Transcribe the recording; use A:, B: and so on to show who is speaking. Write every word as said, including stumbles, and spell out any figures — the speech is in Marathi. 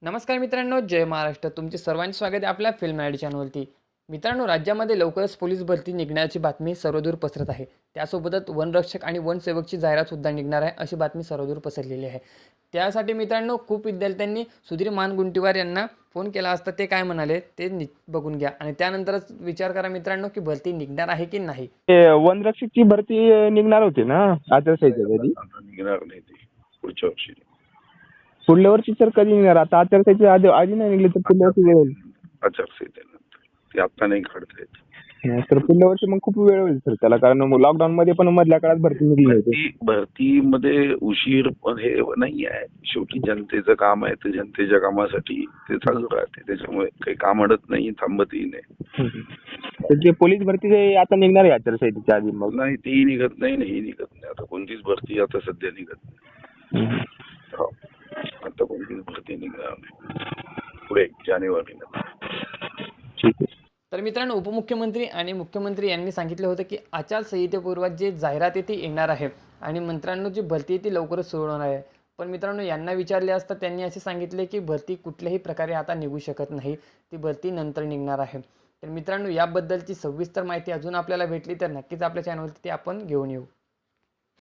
A: नमस्कार मित्रांनो, जय महाराष्ट्र. तुमचे सर्वांचे स्वागत आहे आपल्या फिल्म मराठी चॅनलवरती. मित्रांनो, राज्यामध्ये लवकरच पोलीस भरती निघण्याची बातमी सर्वदूर पसरत आहे. त्यासोबतच वनरक्षक आणि वनसेवकची जाहिरातसुद्धा निघणार आहे, अशी बातमी सर्वदूर पसरलेली आहे. त्यासाठी मित्रांनो, खूप विद्यार्थ्यांनी सुधीर मानगुंटीवार यांना फोन केला असता. ते काय म्हणाले ते नि बघून घ्या आणि त्यानंतरच विचार करा मित्रांनो, की भरती निघणार आहे की नाही.
B: ते वनरक्षकची भरती निघणार होती ना आचारसंहितेच्या कधी?
C: आता निघणार नाही ती पुढच्या वर्षी.
B: पुढल्या वर्षी सर कधी निघणार? आता आचारसंहितेच्या आधी आधी नाही निघली तर पुढल्या वर्षी वेळ होईल.
C: आचारसंहितेनंतर ती आता नाही काढता येत.
B: हा, तर पुढल्या वर्षी मग खूप वेळ होईल सर त्याला, कारण लॉकडाऊन मध्ये पण मधल्या काळात भरती निघली होती.
C: भरती भरतीमध्ये उशीर पण हे नाही आहे. शेवटी जनतेचं काम आहे, ते जनतेच्या कामासाठी ते चालू राहते. त्याच्यामुळे काही काम अडत नाही, थांबतही नाही.
B: तर जे पोलीस भरती जे आता निघणार आहे आचारसंहितेच्या आधी, मग
C: नाही तेही निघत नाही, नाही निघत नाही. आता कोणतीच भरती आता सध्या निघत नाही. हो, आता कोणतीच भरती निघणार नाही पुढे जानेवारीनंतर.
B: ठीक आहे.
A: तर मित्रांनो, उपमुख्यमंत्री आणि मुख्यमंत्री यांनी सांगितलं होतं की आचारसंहितेपूर्वात जे जाहिरात आहे ती येणार आहे आणि मित्रांनो जी भरती आहे ती लवकरच सुरू होणार आहे. पण मित्रांनो, यांना विचारले असता त्यांनी असे सांगितले की भरती कुठल्याही प्रकारे आता निघू शकत नाही, ती भरती नंतर निघणार आहे. तर मित्रांनो, याबद्दलची सविस्तर माहिती अजून आपल्याला भेटली तर नक्कीच आपल्या चॅनलवरती ती आपण घेऊन येऊ.